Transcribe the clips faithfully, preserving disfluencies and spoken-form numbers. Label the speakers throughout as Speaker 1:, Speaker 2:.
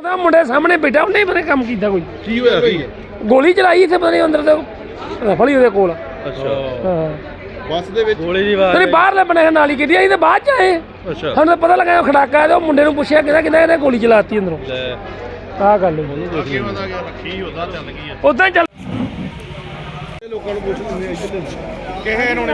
Speaker 1: ਪਤਾ ਮੁੰਡੇ ਸਾਹਮਣੇ ਬੈਠਾ ਉਹਨੇ ਬਰੇ ਕੰਮ ਕੀਤਾ ਕੋਈ
Speaker 2: ਕੀ ਹੋਇਆ ਸੀ
Speaker 1: ਗੋਲੀ ਚਲਾਈ ਇੱਥੇ ਪਤਾ ਨਹੀਂ ਅੰਦਰ ਤੇ ਰਫਲ ਹੀ ਉਹਦੇ ਕੋਲ
Speaker 2: ਅੱਛਾ
Speaker 1: ਹਾਂ
Speaker 2: ਬੱਸ ਦੇ ਵਿੱਚ ਗੋਲੀ ਦੀ ਆਵਾਜ਼
Speaker 1: ਤੇਰੇ ਬਾਹਰਲੇ ਬਣੇ ਨਾਲ ਹੀ ਕੀਤੀ ਅਸੀਂ ਤੇ ਬਾਅਦ ਚ ਆਏ
Speaker 2: ਅੱਛਾ
Speaker 1: ਸਾਨੂੰ ਤਾਂ ਪਤਾ ਲੱਗਾ ਉਹ ਖੜਾਕਾ ਤੇ ਉਹ ਮੁੰਡੇ ਨੂੰ ਪੁੱਛਿਆ ਕਿਹਦਾ ਕਿਹਦਾ ਇਹਨੇ ਗੋਲੀ ਚਲਾਤੀ ਅੰਦਰੋਂ ਆਹ ਗੱਲ
Speaker 2: ਅੱਗੇ ਪਤਾ ਗਿਆ ਰੱਖੀ ਉਦਾਂ ਚੱਲ ਗਈ ਆ
Speaker 1: ਉਦਾਂ ਚੱਲ
Speaker 2: ਲੋਕਾਂ ਨੂੰ ਪੁੱਛ ਲੈਂਦੇ ਇੱਧਰ ਕਿਹੇ ਇਹਨਾਂ ਨੇ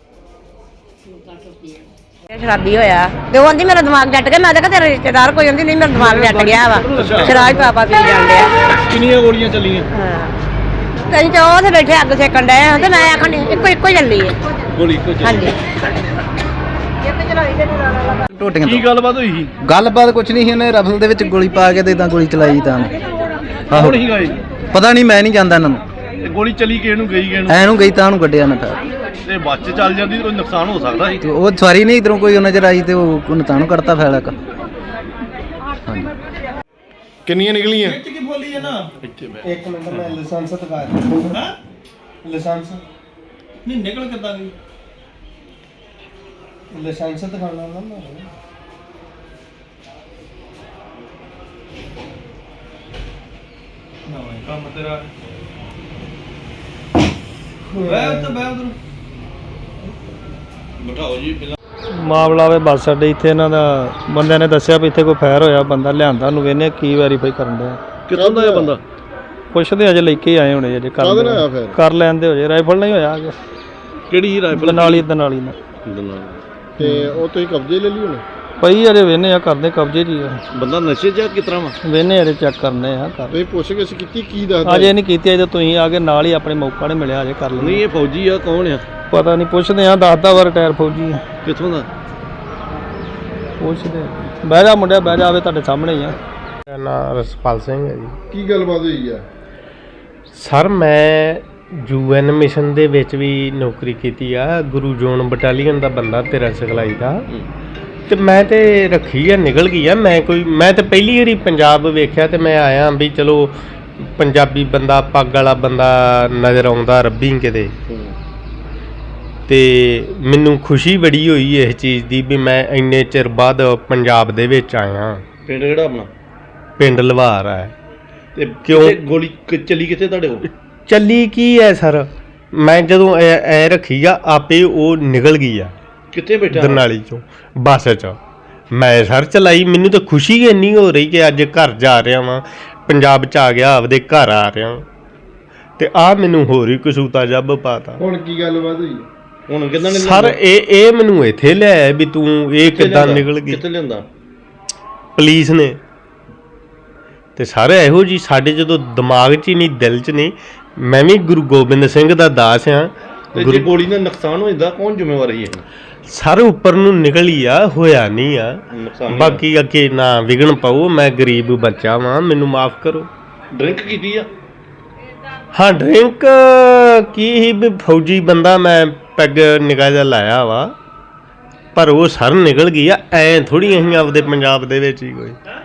Speaker 3: ਸ਼ਰਾਬੀ ਹੋਇਆ ਤੇ ਉਹ ਆਂਦੀ ਮੇਰਾ ਦਿਮਾਗ ਜੱਟ ਗਿਆ ਮੈਂ ਤਾਂ ਕਿਹਾ ਤੇਰਾ ਰਿਸ਼ਤੇਦਾਰ ਕੋਈ ਆਂਦੀ ਨਹੀਂ ਮੇਰਾ ਦਿਮਾਗ ਜੱਟ ਗਿਆ ਵਾ ਸ਼ਰਾਬ ਪਾਪਾ ਪੀ ਜਾਂਦੇ ਆ
Speaker 2: ਕਿੰਨੀਆਂ ਗੋਲੀਆਂ ਚੱਲੀਆਂ
Speaker 3: ਹਾਂ ਕਈ ਤਾਂ ਉਹ ਤੇ ਬੈਠੇ ਅੱਗ ਸੇਕਣ ਡਏ ਆ ਤੇ ਮੈਂ ਆਖਣ ਇੱਕੋ ਇੱਕੋ ਹੀ ਚੱਲੀ ਹੈ
Speaker 2: ਗੋਲੀ ਇੱਕੋ ਚੱਲੀ
Speaker 3: ਹਾਂਜੀ ਇੱਕ ਚਲਾਈ ਤੇ ਨਾਲ
Speaker 4: ਟੋਟੀਆਂ
Speaker 2: ਕੀ ਗੱਲਬਾਤ ਹੋਈ ਸੀ
Speaker 4: ਗੱਲਬਾਤ ਕੁਛ ਨਹੀਂ ਸੀ ਉਹਨੇ ਰਫਲ ਦੇ ਵਿੱਚ ਗੋਲੀ ਪਾ ਕੇ ਤੇ ਇਦਾਂ ਗੋਲੀ ਚਲਾਈ ਤਾਂ ਆਹੋ
Speaker 2: ਕੌਣ ਸੀਗਾ ਇਹ
Speaker 4: ਪਤਾ ਨਹੀਂ ਮੈਂ ਨਹੀਂ ਜਾਣਦਾ ਇਹਨਾਂ ਨੂੰ
Speaker 2: ਇਹ ਗੋਲੀ ਚਲੀ ਕਿਹਨੂੰ ਨੂੰ ਗਈ ਕਿਹਨੂੰ
Speaker 4: ਐ ਨੂੰ ਗਈ ਤਾਂ ਉਹਨੂੰ ਕੱਢਿਆ ਨਾ ਤਾਂ
Speaker 2: ਤੇ ਬੱਸ 'ਚ ਚੱਲ ਜਾਂਦੀ ਤਾਂ ਕੋਈ ਨੁਕਸਾਨ ਹੋ ਸਕਦਾ ਸੀ
Speaker 4: ਤੇ ਉਹ ਸਵਾਰੀ ਨਹੀਂ ਇਧਰੋਂ ਕੋਈ ਨਜ਼ਰ ਆਈ ਤੇ ਉਹ ਉਹਨੇ ਤਾਂ ਨੂੰ ਕੱਢਤਾ ਫੈਲਾ ਕ ਹਾਂਜੀ
Speaker 2: ਕਿੰਨੀਆਂ ਨਿਕਲੀਆਂ
Speaker 5: ਇੱਕ ਮਿੰਟ ਮੈਂ ਲਾਇਸੈਂਸ ਦਿਖਾ ਹਾਂ ਲਾਇਸੈਂਸ ਨਹੀਂ ਨਿਕਲ ਕਿੱਦਾਂ ਗਈ ਲਾਇਸੈਂਸ ਦਿਖਾਉਣਾ ਨਾ ਮੈਂ ਨਾ ਕੰਮ ਤੇਰਾ ਮੈਂ ਉੱਤੇ ਮੈਂ ਉਧਰ
Speaker 2: ਬਿਠਾਓ ਜੀ ਪਹਿਲਾਂ
Speaker 6: ਮਾਮਲਾ ਵੇ ਬੱਸ ਅੱਡੇ ਇੱਥੇ ਇਹਨਾਂ ਦਾ ਬੰਦਿਆਂ ਨੇ ਦੱਸਿਆ ਵੀ ਇੱਥੇ ਕੋਈ ਫਾਇਰ ਹੋਇਆ ਬੰਦਾ ਲਿਆਂਦਾ ਉਹਨੂੰ ਵੇਨੇ ਕੀ ਵੈਰੀਫਾਈ ਕਰਨ ਡਿਆ
Speaker 2: ਕਿੱਥੋਂ ਦਾ ਇਹ ਬੰਦਾ
Speaker 6: ਪੁੱਛਦੇ ਅਜੇ ਲੈ ਕੇ ਆਏ ਹੋਣੇ ਅਜੇ ਕਰ
Speaker 2: ਕਾਹਦੇ ਨਾਲ ਆਇਆ ਫਿਰ
Speaker 6: ਕਰ ਲੈਂਦੇ ਹੋ ਜੇ ਰਾਈਫਲ ਨਹੀਂ ਹੋਇਆ ਅਜੇ
Speaker 2: ਕਿਹੜੀ ਰਾਈਫਲ
Speaker 6: ਦਨਾਲੀ ਦਨਾਲੀ ਨਾਲ
Speaker 2: ਤੇ ਉਹ ਤੁਸੀਂ ਕਬਜ਼ੇ ਲੈ ਲਈ ਹੁਣ
Speaker 6: ਪਈ ਅਜੇ ਵੇਨੇ ਆ ਕਰਦੇ ਕਬਜ਼ੇ ਜੀ
Speaker 2: ਬੰਦਾ ਨਸ਼ੇ 'ਚ ਕਿਸ ਤਰ੍ਹਾਂ ਵਾ
Speaker 6: ਵੇਨੇ ਅਜੇ ਚੈੱਕ ਕਰਨੇ ਆ ਕਰ
Speaker 2: ਤੁਸੀਂ ਪੁੱਛ ਕੇ ਕੀਤੀ ਕੀ ਦੱਸਦਾ
Speaker 6: ਅਜੇ ਨਹੀਂ ਕੀਤੀ ਅਜੇ ਤੁਸੀਂ ਆ ਕੇ ਨਾਲ ਹੀ ਆਪਣੇ ਮੌਕਾ ਨਹੀਂ ਮਿਲਿਆ ਅਜੇ ਕਰ
Speaker 2: ਨਹੀਂ
Speaker 6: ਲੈਣੇ
Speaker 2: ਇਹ ਫੌਜੀ ਆ ਕੌਣ ਆ
Speaker 6: ਪਤਾ ਨਹੀਂ ਪੁੱਛਦੇ ਆ ਦੱਸਦਾ ਵਾ ਰਿਟਾਇਰ ਫੌਜੀ ਆ।
Speaker 2: ਕਿੱਥੋਂ ਦਾ
Speaker 6: ਪੁੱਛਦੇ ਬਹਿ ਜਾ ਮੁੰਡਿਆ ਬਹਿ ਜਾ ਆਵੇ ਤੁਹਾਡੇ ਸਾਹਮਣੇ ਹੀ ਆ
Speaker 7: ਮੇਰਾ ਨਾਮ ਰਸਪਾਲ ਸਿੰਘ ਹੈ ਜੀ।
Speaker 2: ਕੀ ਗੱਲਬਾਤ ਹੋਈ ਆ
Speaker 7: ਸਰ ਮੈਂ ਯੂ ਐਨ ਮਿਸ਼ਨ ਦੇ ਵਿੱਚ ਵੀ ਨੌਕਰੀ ਕੀਤੀ ਆ ਗੁਰੂ ਜੋਨ ਬਟਾਲੀਅਨ ਦਾ ਬੰਦਾ ਤੇਰਾ ਸਿਖਲਾਈ ਦਾ ਤੇ ਮੈਂ ਤੇ ਰੱਖੀ ਆ ਨਿਕਲ ਗਈ ਆ ਮੈਂ ਕੋਈ ਮੈਂ ਤੇ ਪਹਿਲੀ ਵਾਰੀ ਪੰਜਾਬ ਵੇਖਿਆ ਤੇ ਮੈਂ ਆਇਆ ਵੀ ਚਲੋ ਪੰਜਾਬੀ ਬੰਦਾ ਪੱਗ ਵਾਲਾ ਬੰਦਾ ਨਜ਼ਰ ਆਉਂਦਾ ਰੱਬੀ ਕਿਤੇ ਤੇ ਮੈਨੂੰ ਖੁਸ਼ੀ ਬੜੀ ਹੋਈ ਇਸ ਚੀਜ਼ ਦੀ ਵੀ ਮੈਂ ਇੰਨੇ ਚਿਰ ਬਾਅਦ ਪੰਜਾਬ ਦੇ ਵਿੱਚ ਆਇਆ।
Speaker 2: ਪਿੰਡ ਕਿਹੜਾ ਆਪਣਾ
Speaker 7: ਪਿੰਡ ਲਵਾਰ ਹੈ
Speaker 2: ਤੇ
Speaker 7: ਕਿਉਂ?
Speaker 2: ਗੋਲੀ ਕਿ- ਚੱਲੀ ਕਿੱਥੇ ਤੁਹਾਡੇ ਕੋਲ
Speaker 7: ਚੱਲੀ ਕੀ ਹੈ ਸਰ ਮੈਂ ਜਦੋਂ ਐ ਐ ਰੱਖੀ ਆ ਆਪੇ ਉਹ ਨਿਕਲ ਗਈ ਆ
Speaker 2: ਕਿੱਥੇ ਬੈਠਾ
Speaker 7: ਦਰਨਾਲੀ ਚੋਂ ਬੱਸ 'ਚ ਮੈਂ ਸਰ ਚਲਾਈ ਮੈਨੂੰ ਤਾਂ ਖੁਸ਼ੀ ਇੰਨੀ ਹੋ ਰਹੀ ਕਿ ਅੱਜ ਘਰ ਜਾ ਰਿਹਾ ਵਾਂ ਪੰਜਾਬ 'ਚ ਆ ਗਿਆ ਆਪਦੇ ਘਰ ਆ ਰਿਹਾ ਤੇ ਆ ਮੈਨੂੰ ਹੋਰ ਹੀ ਕਸੂਤਾ ਜੱਬ ਪਾਤਾ।
Speaker 2: ਹੁਣ ਕੀ ਗੱਲਬਾਤ ਹੋਈ ਹੁਣ ਕਿੱਦਾਂ ਨੇ
Speaker 7: ਸਰ ਇਹ ਇਹ ਮੈਨੂੰ ਇੱਥੇ ਲਿਆਇਆ ਵੀ ਤੂੰ ਇਹ ਕਿੱਦਾਂ ਨਿਕਲ ਗਈ
Speaker 2: ਕਿੱਥੇ ਲਿਆਂਦਾ
Speaker 7: ਪੁਲਿਸ ਨੇ ਤੇ ਸਾਰੇ ਇਹੋ ਜੀ ਸਾਡੇ ਜਦੋਂ ਦਿਮਾਗ 'ਚ ਹੀ ਨਹੀਂ ਦਿਲ 'ਚ ਨਹੀਂ ਮੈਂ ਵੀ ਗੁਰੂ ਗੋਬਿੰਦ ਸਿੰਘ ਦਾ ਦਾਸ ਆ
Speaker 2: ਤੇ ਜੇ ਗੋਲੀ ਨਾਲ ਨੁਕਸਾਨ ਹੋ ਜਾਂਦਾ ਕੌਣ ਜ਼ਿੰਮੇਵਾਰ ਹੈ ਇਹ
Speaker 7: ਸਰ ਉੱਪਰ ਨੂੰ ਨਿਕਲੀ ਆ ਹੋਇਆ ਨਹੀਂ ਆ
Speaker 2: ਨੁਕਸਾਨ
Speaker 7: ਬਾਕੀ ਅੱਗੇ ਨਾ ਵਿਗਣ ਪਾਓ ਮੈਂ ਗਰੀਬ ਬੱਚਾ ਵਾਂ ਮੈਨੂੰ ਮਾਫ ਕਰੋ।
Speaker 2: ਡਰਿੰਕ ਕੀਤੀ ਆ
Speaker 7: ਹਾਂ ਡਰਿੰਕ ਕੀ ਹੀ ਵੀ ਫੌਜੀ ਬੰਦਾ ਮੈਂ ਪੈਗ ਨਿਗਾਹ ਜਿਹਾ ਲਾਇਆ ਵਾ ਪਰ ਉਹ ਸਰ ਨਿਕਲ ਗਈ ਆ ਐਂ ਥੋੜੀ ਅਸੀਂ ਆਪਦੇ ਪੰਜਾਬ ਦੇ ਵਿੱਚ ਹੀ ਕੋਈ